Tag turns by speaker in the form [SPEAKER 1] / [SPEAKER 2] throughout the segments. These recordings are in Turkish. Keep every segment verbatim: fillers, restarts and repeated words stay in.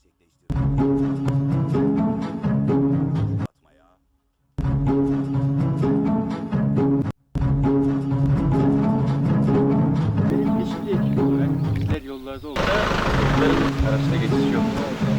[SPEAKER 1] Yeşil ekip olarak bizler yollarda olsa yolların arasında geçiş yok.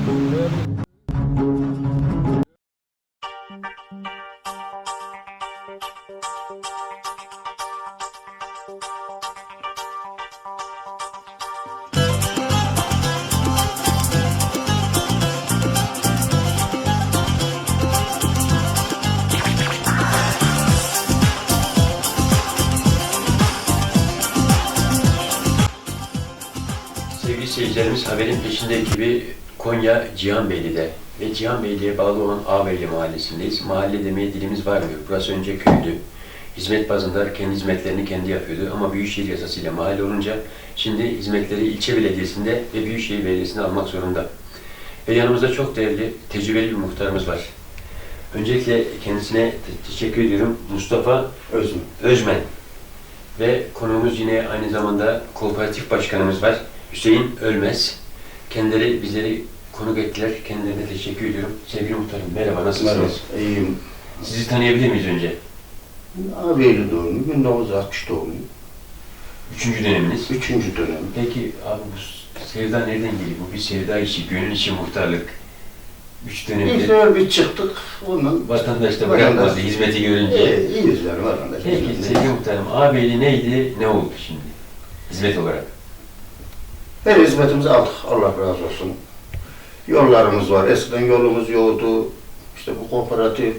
[SPEAKER 1] Sevgili seyircilerimiz, haberin peşinde ekibi Konya Cihanbeyli'de ve Cihanbeyli'ye bağlı olan Ağabeyli mahallesindeyiz. Mahalle demeye dilimiz varmıyor. Burası önce köydü. Hizmet bazında kendi hizmetlerini kendi yapıyordu ama Büyükşehir yasasıyla mahalle olunca şimdi hizmetleri ilçe belediyesinde ve Büyükşehir Belediyesi'nde almak zorunda. Ve yanımızda çok değerli, tecrübeli bir muhtarımız var. Öncelikle kendisine teşekkür ediyorum. Mustafa
[SPEAKER 2] Özmen.
[SPEAKER 1] Özmen. Ve konuğumuz yine aynı zamanda kooperatif başkanımız var. Hüseyin Ölmez. Kendileri bizleri konuk ettiler. Kendilerine teşekkür ediyorum. Sevgili muhtarım, merhaba, nasılsınız?
[SPEAKER 2] Merhaba, iyiyim.
[SPEAKER 1] Sizi tanıyabilir miyiz önce?
[SPEAKER 2] Ağabeyli doğumluyum, bin dokuz yüz altmış doğumluyum.
[SPEAKER 1] Üçüncü döneminiz.
[SPEAKER 2] Üçüncü dönem.
[SPEAKER 1] Peki abi, bu sevda nereden geliyor? Bu bir sevda işi, gönül işi, muhtarlık. Üç
[SPEAKER 2] İlk
[SPEAKER 1] dönemde
[SPEAKER 2] sefer bir çıktık, ondan...
[SPEAKER 1] vatandaş da bırakmadı
[SPEAKER 2] Vatandaş-
[SPEAKER 1] hizmeti görünce.
[SPEAKER 2] Ee, iyiyiz yani vatandaş.
[SPEAKER 1] Peki sevgili muhtarım, ağabeyli neydi, ne oldu şimdi? Hizmet olarak.
[SPEAKER 2] Her hizmetimizi aldık, Allah razı olsun. Yollarımız var, eskiden yolumuz yoktu. İşte bu kooperatif,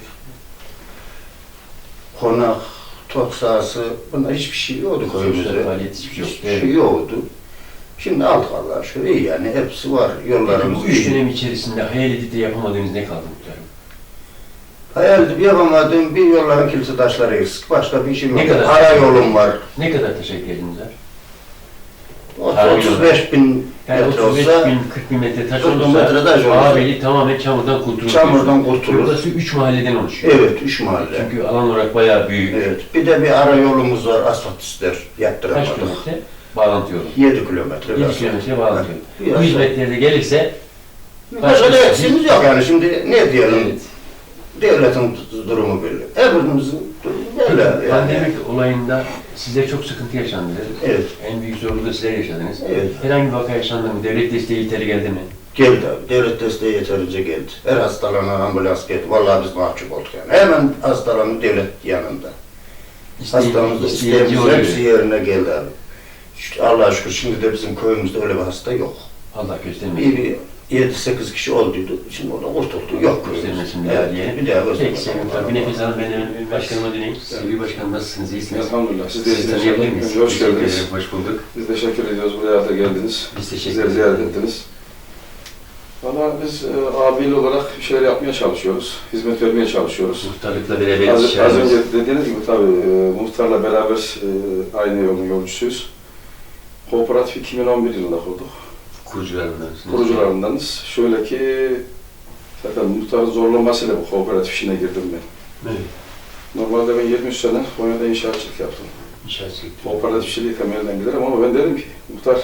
[SPEAKER 2] konak, top sahası, bunlar hiçbir şey yoktu köyümüzde.
[SPEAKER 1] Sosyal faaliyet hiçbir şey yok.
[SPEAKER 2] Hiçbir şey yoktu. Şimdi aldık Allah'a şükür, iyi yani, hepsi var,
[SPEAKER 1] Peki
[SPEAKER 2] yollarımız
[SPEAKER 1] bu üç
[SPEAKER 2] iyi.
[SPEAKER 1] dönem içerisinde hayal edip de yapamadığınız ne kaldı muhtarım?
[SPEAKER 2] Hayal edip yapamadığım bir yolların kilise taşları eksik, başka bir işim
[SPEAKER 1] Ne
[SPEAKER 2] yok.
[SPEAKER 1] kadar?
[SPEAKER 2] Ara yolum var.
[SPEAKER 1] Ne kadar teşekkür ediniz var?
[SPEAKER 2] otuz beş bin
[SPEAKER 1] Yani
[SPEAKER 2] metre
[SPEAKER 1] otuz beş
[SPEAKER 2] olsa,
[SPEAKER 1] bin kırk bin metre taş
[SPEAKER 2] kırk bin
[SPEAKER 1] olursa
[SPEAKER 2] metre taş olursa-
[SPEAKER 1] Ağabeyli tamamen çamurdan kurtulur.
[SPEAKER 2] çamurdan kurtulur.
[SPEAKER 1] Burası üç mahalleden oluşuyor.
[SPEAKER 2] Evet, üç mahalle.
[SPEAKER 1] Çünkü alan olarak bayağı büyük.
[SPEAKER 2] Evet, bir de bir ara yolumuz var, asfalt ister,
[SPEAKER 1] Kaç
[SPEAKER 2] yaptıramadık.
[SPEAKER 1] kilometre? Bağlantı yolu.
[SPEAKER 2] yedi kilometre.
[SPEAKER 1] yedi kilometre bağlantı yolu.
[SPEAKER 2] Biraz
[SPEAKER 1] Bu hizmetleri de gelirse
[SPEAKER 2] Başka da eksiğimiz yok yani, şimdi ne diyelim,
[SPEAKER 1] evet.
[SPEAKER 2] devletin durumu belli. Hepimizin durumu belli yani.
[SPEAKER 1] Pandemik olayında size çok sıkıntı yaşandı.
[SPEAKER 2] Evet.
[SPEAKER 1] En büyük zorluğu da sizler yaşadınız.
[SPEAKER 2] Evet.
[SPEAKER 1] Herhangi bir vaka yaşandı mı? Devlet desteği yeterli geldi mi?
[SPEAKER 2] Geldi abi, devlet desteği yeterince geldi. Her hastalanan ambulans geldi. Vallahi biz mahcup olduk yani. Hemen hastalanan devlet yanında. Hastamız da isteğimiz hepsi yerine geldi abi. İşte Allah'a şükür şimdi de bizim köyümüzde öyle bir hasta yok.
[SPEAKER 1] Allah göstermesin.
[SPEAKER 2] Bir, bir yedi sekiz kişi olduydu. Şimdi orada kurtuldu. Yok
[SPEAKER 1] Göstermesin bir
[SPEAKER 2] evet,
[SPEAKER 1] daha diye.
[SPEAKER 2] bir daha
[SPEAKER 1] Peki
[SPEAKER 2] göstermesin.
[SPEAKER 1] sevgili muhtarım, bir nefes alın, ben de başkanıma döneyim. Sevgili başkanım, nasılsınız, iyisiniz?
[SPEAKER 3] Elhamdülillah. Siz de
[SPEAKER 1] Sizi
[SPEAKER 3] iyisiniz.
[SPEAKER 1] tanıyabilir miyiz?
[SPEAKER 3] Önce hoş
[SPEAKER 1] Teşekkür
[SPEAKER 3] geldiniz.
[SPEAKER 1] ederim, hoş bulduk.
[SPEAKER 3] Biz teşekkür ediyoruz. Buraya da geldiniz.
[SPEAKER 1] Biz teşekkür
[SPEAKER 3] Bizleri
[SPEAKER 1] ederiz.
[SPEAKER 3] ziyaret ettiniz. Valla biz e, abiyle olarak bir şeyler yapmaya çalışıyoruz. Hizmet vermeye çalışıyoruz.
[SPEAKER 1] Muhtarlıkla beraber
[SPEAKER 3] Az, az
[SPEAKER 1] istişaremiz.
[SPEAKER 3] önce dediğiniz gibi tabii e, muhtarla beraber e, aynı yolun yolcusuyuz. Kooperatif iki bin on bir yılında kurduk.
[SPEAKER 1] Kurucularındansınız.
[SPEAKER 3] Kurucularındanız. Şöyle ki zaten muhtarın zorlamasıyla bu kooperatif işine girdim ben.
[SPEAKER 1] Evet.
[SPEAKER 3] Normalde ben yirmi üç sene Konya'da inşaatçılık yaptım.
[SPEAKER 1] İnşaat sektörü.
[SPEAKER 3] Kooperatifçiliği temelinden giderim ama ben dedim ki muhtar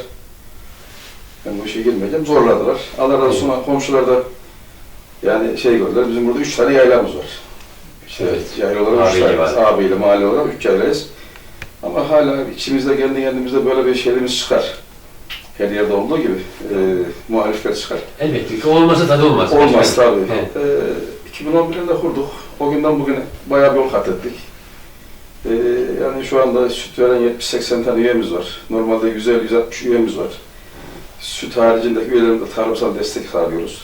[SPEAKER 3] ben bu işe girmeyeceğim. Zorladılar. Allah razı olsun komşular da yani şey gördüler. Bizim burada üç tane yaylamız var. İşte
[SPEAKER 1] Evet.
[SPEAKER 3] yayla olarak üç
[SPEAKER 1] Ağabeyle
[SPEAKER 3] tane.
[SPEAKER 1] var.
[SPEAKER 3] Ağabeyle mahalle olarak üç yaylayız. Ama hala içimizde kendi kendimize böyle bir şeyimiz çıkar. Her yerde olduğu gibi e, muhalifler çıkar.
[SPEAKER 1] Elbette ki olmasa tadı olmaz.
[SPEAKER 3] Olmaz tabii.
[SPEAKER 1] Evet.
[SPEAKER 3] E, iki bin on bir'de kurduk. O günden bugüne bayağı bir yol kat ettik. E, yani şu anda süt veren yetmiş seksen tane üyemiz var. Normalde yüz elli yüz altmış üyemiz var. Süt haricindeki üyelerimize tarımsal destek sağlıyoruz.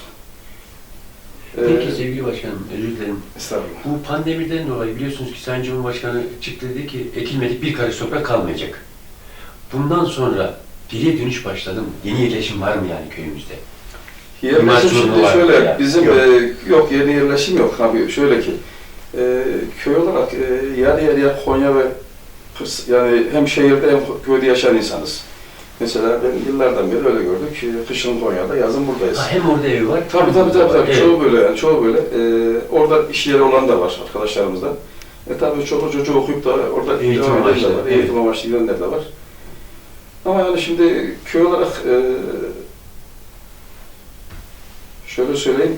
[SPEAKER 1] Peki
[SPEAKER 3] Ee,
[SPEAKER 1] sevgili başkanım, özür dilerim.
[SPEAKER 3] Estağfurullah.
[SPEAKER 1] Bu pandemiden dolayı biliyorsunuz ki Sayın Cumhurbaşkanı çıktı, dedi ki ekilmedik bir karış toprak kalmayacak. Bundan sonra geriye dönüş başladı mı? Yeni yerleşim var mı yani köyümüzde?
[SPEAKER 3] Yerleşim
[SPEAKER 1] İmar
[SPEAKER 3] şimdi
[SPEAKER 1] sorunu var
[SPEAKER 3] şöyle,
[SPEAKER 1] ya.
[SPEAKER 3] bizim
[SPEAKER 2] Yok.
[SPEAKER 3] yok. E, yok yeni yerleşim yok. Abi şöyle ki, e, köy olarak e, yarı yarıya Konya ve Kırs, yani hem şehirde hem köyde yaşayan insanız. Mesela ben yıllardan beri öyle gördük. E, Kışın Konya'da, yazın buradayız.
[SPEAKER 1] Ha, hem orada evi var.
[SPEAKER 3] Tabii tabii tabii, tabii.
[SPEAKER 1] Evet.
[SPEAKER 3] Çoğu böyle yani çoğu böyle. Ee, orada iş yeri olan da var arkadaşlarımızda. E tabii çoluk çocuğu okuyup da orada
[SPEAKER 1] Eğitim
[SPEAKER 3] devam eden de
[SPEAKER 1] amaçlı,
[SPEAKER 3] var,
[SPEAKER 1] evet.
[SPEAKER 3] eğitim amaçlı gidenler de var. Ama yani şimdi köy olarak e, Şöyle söyleyeyim,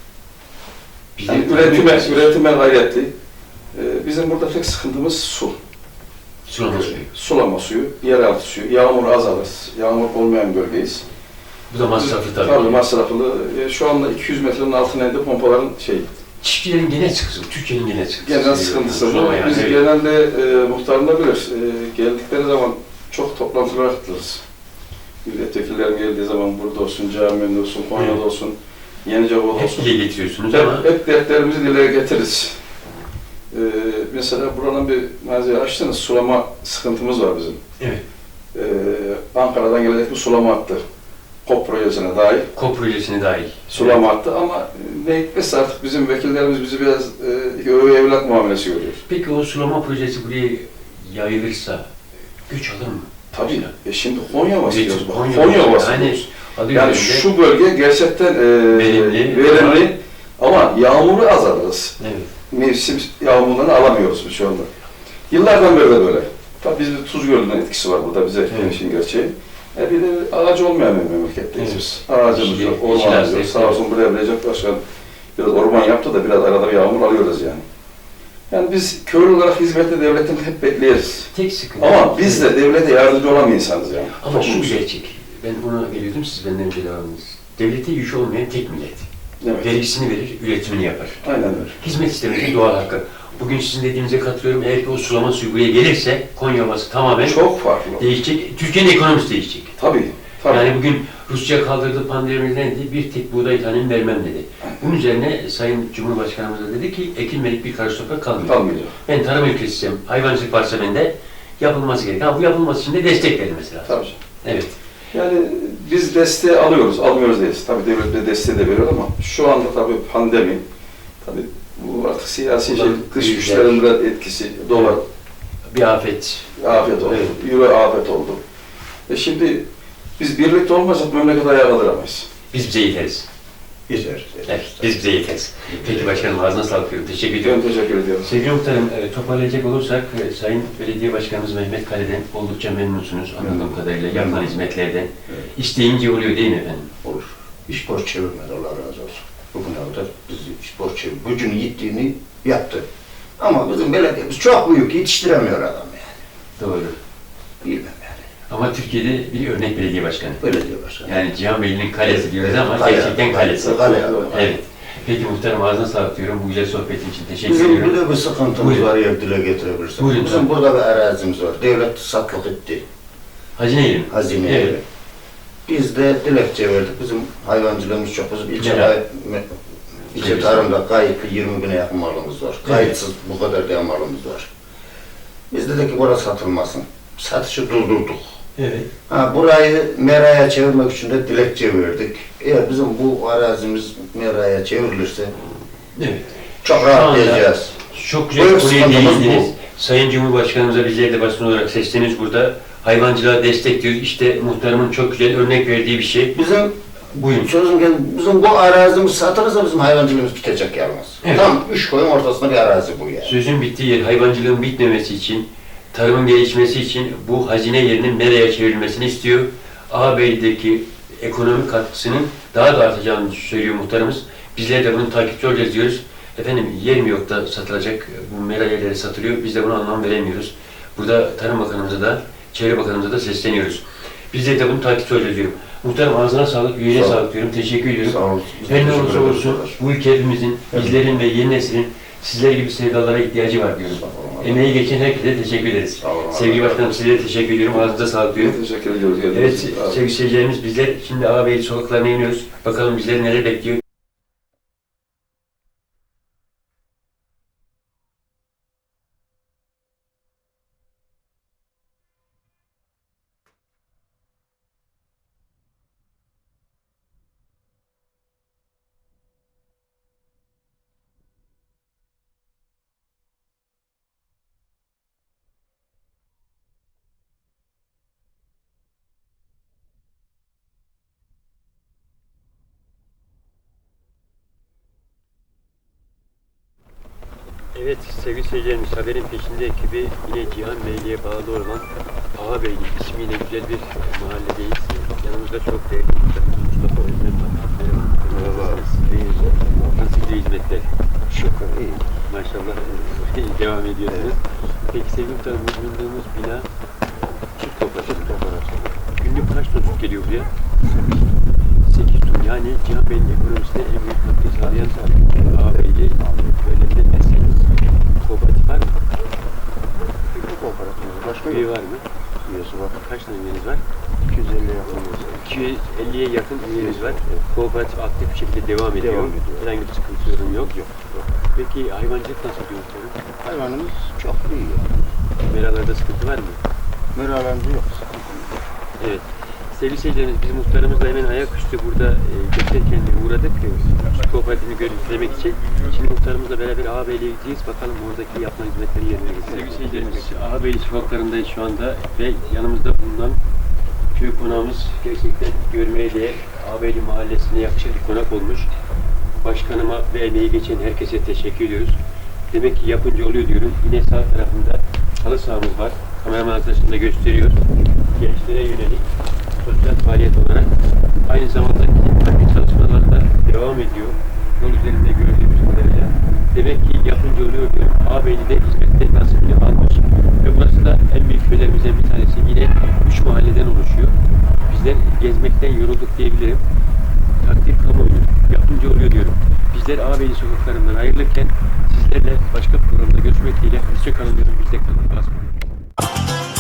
[SPEAKER 1] Bize
[SPEAKER 3] yani üretime, üretime gayretli. Ee, bizim burada tek sıkıntımız su.
[SPEAKER 1] sulama suyu.
[SPEAKER 3] Sulama suyu, yeraltı suyu. Yağmur azalır. Yağmur olmayan bölgeyiz.
[SPEAKER 1] Bu da masraflı tabii.
[SPEAKER 3] Tabii masraflı. Ee, şu anda iki yüz metrenin altına indi pompaların şey.
[SPEAKER 1] Çiftçilerin genel sıkıntısı, Türkiye'nin genel sıkıntısı.
[SPEAKER 3] Genel sıkıntısı bu.
[SPEAKER 1] Sulama yani,
[SPEAKER 3] Biz
[SPEAKER 1] evet.
[SPEAKER 3] genelde e, muhtarım da bilir. E, geldikleri zaman çok toplantılara katılırız. Milletvekillerim geldiği zaman burada olsun, camide olsun, Konya'da olsun, Yeniceova'da
[SPEAKER 1] Hep
[SPEAKER 3] olsun.
[SPEAKER 1] dile getiriyorsunuz ama
[SPEAKER 3] Hep, hep dertlerimizi dile getiririz. Ee, mesela buranın bir malzeme açtınız, sulama sıkıntımız var bizim.
[SPEAKER 1] evet.
[SPEAKER 3] Ee, Ankara'dan gelecek bir sulama hattı. KOP projesine dahil
[SPEAKER 1] KOP projesine dahil.
[SPEAKER 3] sulama hattı ama ne hikmetse artık bizim vekillerimiz bizi biraz e, öve evlat muamelesi görüyor.
[SPEAKER 1] Peki o sulama projesi buraya yayılırsa göç alır mı?
[SPEAKER 3] Tabii. E şimdi Konya bahsediyoruz. bak.
[SPEAKER 1] Konya,
[SPEAKER 3] Konya
[SPEAKER 1] yani,
[SPEAKER 3] bahsediyoruz.
[SPEAKER 1] adı
[SPEAKER 3] Yani
[SPEAKER 1] üzerinde-
[SPEAKER 3] şu bölge gerçekten e,
[SPEAKER 1] Verimli.
[SPEAKER 3] verimli ama yağmuru az alırız.
[SPEAKER 1] Evet.
[SPEAKER 3] Mevsim yağmurlarını alamıyoruz biz şu anda. Yıllardan beri de böyle. Tabii bizde Tuz Gölü'nün etkisi var burada bize
[SPEAKER 1] Evet.
[SPEAKER 3] işin gerçeği. E bir de ağacı olmayan bir memleketteyiz
[SPEAKER 1] Evet.
[SPEAKER 3] biz. Ağacımız
[SPEAKER 1] İşte-
[SPEAKER 3] yok,
[SPEAKER 1] işin
[SPEAKER 3] ormanımız yok.
[SPEAKER 1] aslında-
[SPEAKER 3] Sağ olsun buraya Recep Başkan biraz orman yaptı da biraz arada bir yağmur alıyoruz yani. Yani biz köylü olarak hizmette devletten hep bekleriz.
[SPEAKER 1] Tek sıkıntı.
[SPEAKER 3] Ama biz de devlete yardımcı olan bir insanız yani.
[SPEAKER 1] Ama şu
[SPEAKER 3] Toplumuz.
[SPEAKER 1] gerçek. Ben buna geliyordum, siz benden önce devam ediniz. Devlete yük olmayan tek millet.
[SPEAKER 3] Evet.
[SPEAKER 1] Vergisini verir, üretimini yapar.
[SPEAKER 3] Aynen öyle.
[SPEAKER 1] Hizmet istemesi doğal hakkı. Bugün sizin dediğinize katılıyorum. Eğer ki o sulama suyu buraya gelirse Konya Ovası tamamen
[SPEAKER 3] Çok farklı.
[SPEAKER 1] değişecek. Türkiye'nin ekonomisi değişecek.
[SPEAKER 3] Tabii. Tabii.
[SPEAKER 1] Yani bugün Rusya kaldırdığı pandemiden dedi, bir tek buğday tanem vermem dedi. Bunun üzerine Sayın Cumhurbaşkanımız da dedi ki ekilmedik bir karış toprak kalmıyor.
[SPEAKER 3] Kalmayacak.
[SPEAKER 1] Ben tarım ülkesiyim, hayvancılık varsa bende yapılması gerek. Ha bu yapılması için de destek verin mesela.
[SPEAKER 3] Tabii.
[SPEAKER 1] Evet.
[SPEAKER 3] Yani biz desteği alıyoruz, almıyoruz değiliz. Tabii devlet de desteği de veriyor ama şu anda tabii pandemi, tabii bu artık siyasi şey,
[SPEAKER 1] Ulan,
[SPEAKER 3] dış
[SPEAKER 1] güzel.
[SPEAKER 3] güçlerin biraz etkisi, dolar
[SPEAKER 1] Bir afet.
[SPEAKER 3] afet oldu,
[SPEAKER 1] Evet.
[SPEAKER 3] euro afet oldu. E şimdi biz birlikte olmazsak memleket ayağa kaldıramayız.
[SPEAKER 1] Biz bize yeteriz.
[SPEAKER 2] Güzel.
[SPEAKER 1] Evet, biz bize yeteriz. Peki başkanım ağzına sağlık diyorum. Teşekkür ediyorum.
[SPEAKER 3] Ben teşekkür ediyorum.
[SPEAKER 1] Sevgili muhtarım, e, toparlayacak olursak e, Sayın Belediye Başkanımız Mehmet Kale'den oldukça memnunsunuz anladığım
[SPEAKER 2] Memnun.
[SPEAKER 1] kadarıyla yapılan
[SPEAKER 2] Memnun.
[SPEAKER 1] hizmetlerden.
[SPEAKER 2] Evet.
[SPEAKER 1] İsteyince oluyor değil mi efendim?
[SPEAKER 2] Olur. İş boş çevirmedi, Allah razı olsun. Bugüne kadar bizi iş boş çevirmedi. Gücünü yittiğini yaptı. Ama bizim belediyemiz çok büyük, yetiştiremiyor adam yani.
[SPEAKER 1] Doğru.
[SPEAKER 2] Bilmem yani.
[SPEAKER 1] Ama Türkiye'de bir örnek belediye başkanı.
[SPEAKER 2] Belediye başkanı.
[SPEAKER 1] Yani Cihan Beyli'nin kalesi diyoruz ama
[SPEAKER 2] Kale.
[SPEAKER 1] gerçekten kalesi.
[SPEAKER 2] Kale.
[SPEAKER 1] Evet. Peki muhtarım ağzına sağlık diyorum. Bu güzel sohbetin için teşekkür
[SPEAKER 2] Bizim
[SPEAKER 1] ediyorum.
[SPEAKER 2] bir de bir sıkıntımız
[SPEAKER 1] Buyurun.
[SPEAKER 2] var ya dile getirebilirsek.
[SPEAKER 1] Buyurun.
[SPEAKER 2] Bizim burada bir arazimiz var. Devlet satlık etti.
[SPEAKER 1] Hazine
[SPEAKER 2] Hazine
[SPEAKER 1] Evet.
[SPEAKER 2] yeri. Biz de dilekçe verdik. Bizim hayvancılığımız çok. Bizim ilçe,
[SPEAKER 1] Merak.
[SPEAKER 2] gayet, ilçe tarımda kayıtlı yirmi bine yakın malımız var. Kayıtsız bu kadar diye malımız var. Biz dedik ki burası satılmasın. Satışı durdurduk.
[SPEAKER 1] Evet.
[SPEAKER 2] Ha, burayı meraya çevirmek için de dilekçe verdik. Eğer bizim bu arazimiz meraya çevrilirse
[SPEAKER 1] Evet.
[SPEAKER 2] çok
[SPEAKER 1] Şu
[SPEAKER 2] rahatlayacağız.
[SPEAKER 1] Çok güzel
[SPEAKER 2] Buyur,
[SPEAKER 1] bir konuya
[SPEAKER 2] sıkıntımız
[SPEAKER 1] değindiniz. Sayın Cumhurbaşkanımıza bizler de basın olarak sesleniyoruz burada. Hayvancılığa destek diyoruz. İşte muhtarımın çok güzel örnek verdiği bir şey.
[SPEAKER 2] Bizim
[SPEAKER 1] Buyurun.
[SPEAKER 2] sözüm geldi, bizim bu arazimiz satılırsa bizim hayvancılığımız bitecek yalnız.
[SPEAKER 1] Evet.
[SPEAKER 2] Tam üç koyun ortasında bir arazi bu yani.
[SPEAKER 1] Sözün bittiği yer, hayvancılığın bitmemesi için, tarımın gelişmesi için bu hazine yerinin meraya çevrilmesini istiyor. Ağabey'deki ekonomik katkısının daha da artacağını söylüyor muhtarımız. Bizler de bunun takipçi olacağız diyoruz. Efendim yer mi yok da satılacak, bu mera yerleri satılıyor, biz de buna anlam veremiyoruz. Burada Tarım Bakanımıza da, Çevre Bakanımıza da sesleniyoruz. Bizler de bunu takipçi olacağız diyorum. Muhtarım ağzına sağlık, yüreğine
[SPEAKER 2] Sağ ol.
[SPEAKER 1] sağlık diyorum, teşekkür ediyorum.
[SPEAKER 2] Sağ olun.
[SPEAKER 1] Her ne
[SPEAKER 2] Teşekkür
[SPEAKER 1] olursa
[SPEAKER 2] ederiz.
[SPEAKER 1] olsun bu ülke hepimizin, bizlerin ve yeni neslin sizler gibi sevdalara ihtiyacı var diyorum.
[SPEAKER 2] Sağ olun.
[SPEAKER 1] Emeği geçen herkese teşekkür ederiz.
[SPEAKER 2] Sağ olun.
[SPEAKER 1] Sevgili Başkanım size de teşekkür ediyorum. Ağzınıza sağlık diyorum.
[SPEAKER 3] Ben teşekkür ediyoruz.
[SPEAKER 1] Evet
[SPEAKER 3] geldiğiniz için.
[SPEAKER 1] sevgili seyircilerimiz bizler şimdi ağabey sokaklarına iniyoruz. Bakalım bizleri neler bekliyor. Evet sevgili seyircilerimiz haberin peşinde ekibi yine Cihan Beyliğe bağlı olan Ağabeylik ismiyle güzel bir mahalledeyiz. Yanımızda çok değerli Mustafa Özmen var. Merhaba.
[SPEAKER 2] Merhaba.
[SPEAKER 1] ediyorsunuz. Peki sevgili muhtarım, bu bulunduğumuz bina çift kooperatif. Günlük kaç ton süt geliyor buraya? sekiz ton. Yani Cihan Bey'in ekonomisine en büyük katkı sağlayan ağabeyli önemli mesele. Kooperatif var mı?
[SPEAKER 2] Bir kooperatifimiz başka
[SPEAKER 1] Üye
[SPEAKER 2] yok.
[SPEAKER 1] var mı?
[SPEAKER 2] Üyesi var.
[SPEAKER 1] Kaç tane üyeniz var?
[SPEAKER 2] iki yüz elliye yakın üyesi var.
[SPEAKER 1] iki yüz elliye yakın üyeniz var. Kooperatif aktif bir şekilde devam ediyor.
[SPEAKER 2] Devam ediyor.
[SPEAKER 1] Herhangi bir sıkıntı sorun yok.
[SPEAKER 2] Yok. Yok.
[SPEAKER 1] Peki hayvancılık nasıl gidiyor muhtarım?
[SPEAKER 2] Hayvanımız çok iyi.
[SPEAKER 1] Meralarda sıkıntı var mı?
[SPEAKER 2] Meralarımız yok.
[SPEAKER 1] Evet. Sevgili seyircilerimiz, biz muhtarımızla hemen ayaküstü burada e, geçerken uğradık. E, Süt kooperatifini görüntülemek için. Şimdi muhtarımızla beraber Ağabeyli'ye gideceğiz. Bakalım oradaki yapılan hizmetleri yerine getireceğiz. Sevgili seyircilerimiz, Ağabeyli sokaklarındayız şu anda ve yanımızda bulunan köy konağımız gerçekten görmeye değer. Ağabeyli mahallesine yakışır bir konak olmuş. Başkanıma ve emeği geçen herkese teşekkür ediyoruz. Demek ki yapınca oluyor diyorum. Yine sağ tarafında halı sahamız var. Kameraman arkadaşım da gösteriyor. Gençlere yönelik sosyal faaliyet olarak aynı zamanda farklı çalışmalar da devam ediyor. Yol üzerinde gördüğümüz kadarıyla. Demek ki yapınca oluyor diyorum. Ağabeyli'de hizmetlerin nasibini almış. Ve burası da en büyük köylerimizden bir tanesi. Yine üç mahalleden oluşuyor. Bizler gezmekten yorulduk diyebilirim. Takdir kamuoyu. Yapınca oluyor diyorum. Bizler Ağabeyli sokaklarından ayrılırken sizlerle başka programda görüşmek dileğiyle. Hoşça kalın diyorum. Bizde kalın. Asma.